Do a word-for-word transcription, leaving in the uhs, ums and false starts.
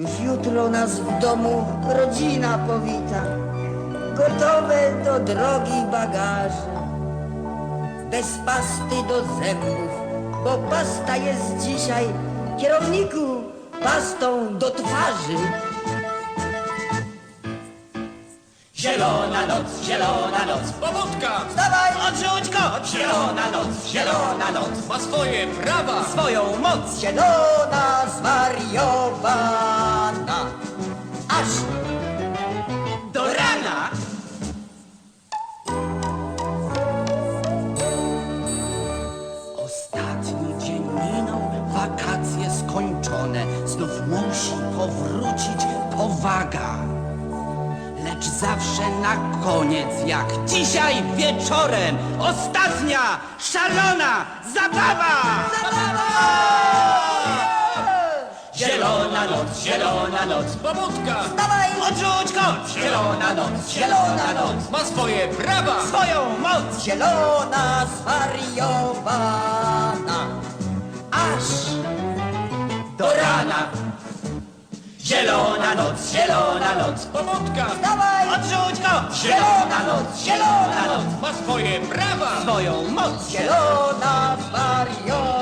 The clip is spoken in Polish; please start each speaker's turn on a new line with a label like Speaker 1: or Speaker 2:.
Speaker 1: Już jutro nas w domu rodzina powita, gotowe do drogi bagaże. Bez pasty do zębów, bo pasta jest dzisiaj, kierowniku, pastą do twarzy.
Speaker 2: Zielona noc, zielona noc, pobudka!
Speaker 1: Wstawaj!
Speaker 2: Odrzuć kot! Zielona noc, zielona noc, ma swoje prawa, swoją moc.
Speaker 1: Zielona zwariowana, aż
Speaker 2: Do rana! Ostatni dzień minął, wakacje skończone. Znów musi powrócić powaga. Lecz zawsze na koniec, jak dzisiaj wieczorem, ostatnia szalona zabawa! Zielona noc, zielona noc, pobudka!
Speaker 1: Wstawaj!
Speaker 2: Odrzuć kot! Zielona noc, zielona noc, ma swoje prawa, swoją moc!
Speaker 1: Zielona zwariowana, aż
Speaker 2: Do rana! Zielona noc, zielona noc, pobudka!
Speaker 1: Wstawaj!
Speaker 2: Odrzuć kot! Zielona noc, zielona noc, ma swoje prawa, swoją moc!
Speaker 1: zielona zwariowana.